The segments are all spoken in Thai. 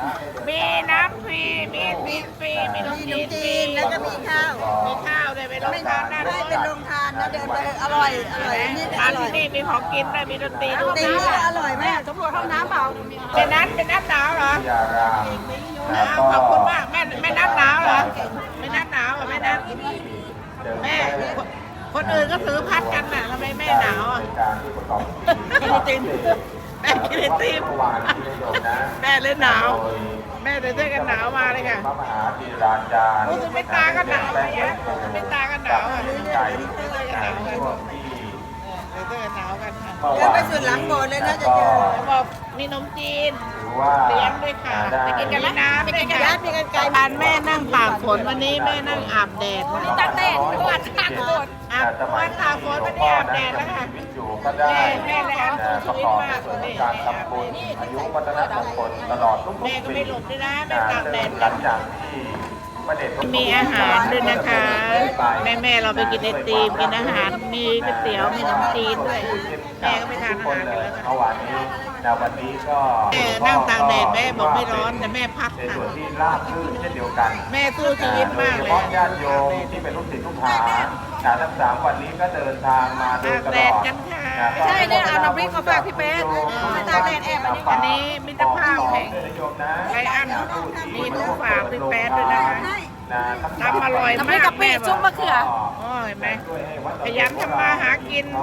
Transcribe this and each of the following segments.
มีน้ำฟรีมีซีนฟรีมีนมจีนฟรีแล้วก็มีข้าวมีข้าวเลยไปลงทานได้ไม่เป็นโรงทานนะเดินไปอร่อยนี่อทานร่อที่ยนี่มีของกินด้วยมีดนตรีด้วยตีก็อร่อยมากตำรวจห้องน้ำเปล่าเป็นน้ำหนาวเหรอวิทยารามแล้วก็ขอบคุณมากแม่น้ำหนาวเหรอไม่น้ำหนาวเหรอแม่น้ำแม่คนอื่นก็ถือพัดกันน่ะทำไมแม่หนาวอ่ะการที่ประกอบกินไอติมแม่กินไอติมเมื่อวานที่ได้ชมนะแม่เลยหนาวแม่ใส่เสื้อกันหนาวมาเลยค่ะพระมหาธีราจารย์รู้สึกไม่ตาก็หนาวเลยนะไม่ตาก็หนาวอ่ะใจใส่เสื้อกันหนาวกันช่วงที่ใส่เสื้อกันหนาวกันค่ะเมื่อเดินวานไปสุดหลังโบสถ์เลยนะจะเจอเขาบอกมีนมจีนถือว่าเลี้ยงด้วยค่ะไปกินกันแล้วน้ำด้วยค่ะมีกันไกลทานแม่นั่งตากฝนวันนี้แม่นั่งอาบแดดตากแดดตลาดตากฝนอาบวันตากฝนวันนี้อาบแดดแล้วค่ะชีวิตอยู่ก็ได้แม่เลยเอาสู้ชีวิตมากประอบเลยการทำบุญอายุวัฒนมงคลตลอดทุกแม่ก็ปีไม่หลุดด้วยนะแม่ตากแดดหลังจากที่พระเดชพระคุณมีอาหารด้วยนะคะ แม่เราไปกินไอติมกินอาหารมีก๋วยเตี๋ยวมีน้ำจีนด้วยแม่ก็ไปทานอาหารกันแล้วเมื่อวานนี้วันนี้ก็แม่นั่งตากแดดแม่บอกไม่ร้อนแต่แม่พักในค่ะส่วนที่ราบรื่นเช่นเดียวกันแม่สู้ชีวิตมากโดเลยเฉพาะญาติโยมที่เป็นลูกศิษย์ลูกหาทั้ง3 วันนี้ก็เดินทางมาโดยตลอดกันค่ะไม่ใช่เนี่ยเอาน้ำพริกมาฝากพี่เป๊ะไม่ตากแดดแอบอันนี้อันนี้มิตรภาพแห่ง ไรอันมีทุกฝากเป็นแฟนด้วยนะคะทำอร่อยน้ำพริมาก กกะปิซุปมะเขือโอ้ยแม่ขยันทำมาหากิน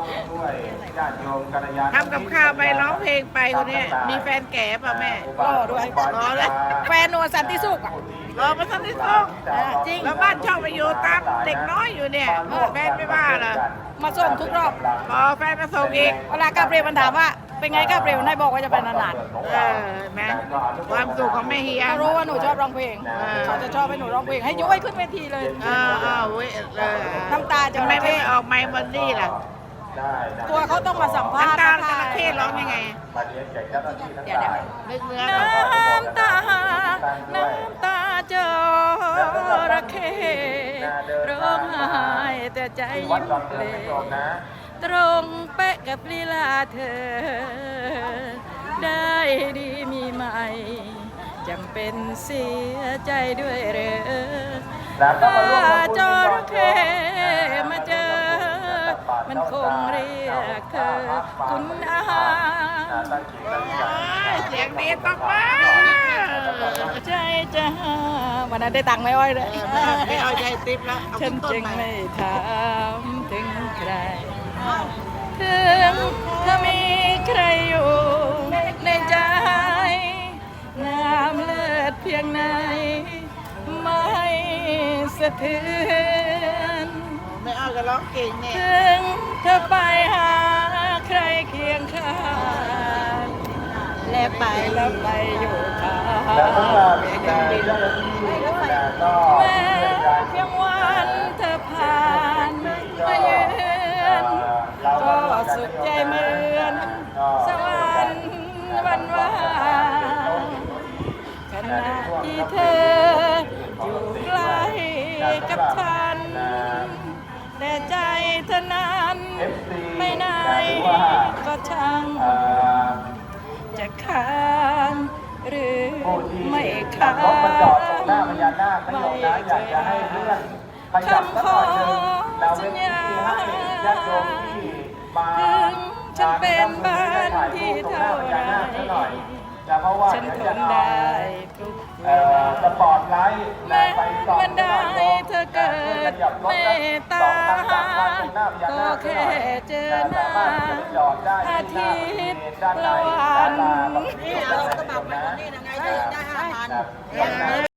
ทำกับข้าวไปร้องเพลงไปคนนี้มีแฟนแก่ป่ะแม่รอด้วยรอเลยแฟนนวลสันติสุขอ่ะรอมาสักนิดนึงจริงแล้วบ้านช่องไปอยู่ตามเด็กน้อยอยู่เนี่ยแฟนไม่ว่าเหรอมาส่งทุกรอบรอแฟนมาส่งอีกเวลากาเบรียลมันถามว่า เป็นไงกาเบรียลนายบอกว่าจะไปนานแม่ความสุขของแม่เฮีๆยเขารู้ว่าหนูชอบร้องเพลงเขาจะชอบให้หนูร้องเพลงให้ย้อยขึ้นเวทีเลยเว้ยน้ำตาจะทำไมไม่ออกไมค์บอนดี้ล่ะตัวเขาต้องมาสัมภาษณ์น้ำตาจระเข้ร้องยังไงเดี๋ยวนึกเนื้อน้ำตา น้ำตาจระเข้ร้องไห้แต่ใจยิ้มเลย ตรงเป๊ะกับลีลาเธอ ได้ดีมีไหมจำเป็นเสียใจด้วยเหรอถ้าจระเข้มาเจอ มันคงเรียกเธอคุณอาเสียงดีต้องมาใจจะหาวันนั้นได้ตังค์ไหมอ้อยเลยไม่เอาใจติ๊บแล้วเอาฉันต้นจึงมาไม่ถามถึงใคร ถึงเธอมีใครอยู่ในใจ น้ำเลือดเพียงไหน ไม่สะเทือนไม่เอาก็ร้องเก่งเนี่ยถึงเธอไปหาใครเคียงข้างและไปอยู่ข้างแล้วสำหรับเจ้าหน้าที่ก็แม้เพียงวันเธอผ่านมาเยือนก็สุขใจเหมือนสวรรค์วันว่างขณะที่เธออยู่ใกล้กับฉันแต่ใจเธอนั้นไม่ไหนก็ช่างจะค้างหรือไม่ค้างรถมาจอดตรงหน้าพญานาคขยมนะอยากจะให้เลื่อนขยับสักหน่อยหนึงเราเว้นที่ให้ญาติโยมที่มาถึงฉันเป็นบ้านที่เท่าไรเพราะว่าฉันทนได้ทุกเวลาสปอร์ตไลท์แม้วันใดเธอเกิดเมตตาก็แค่เจอหน้าอาทิตย์ละวันนี่เอากระบะไปตรงนี้ยังไงได้5,000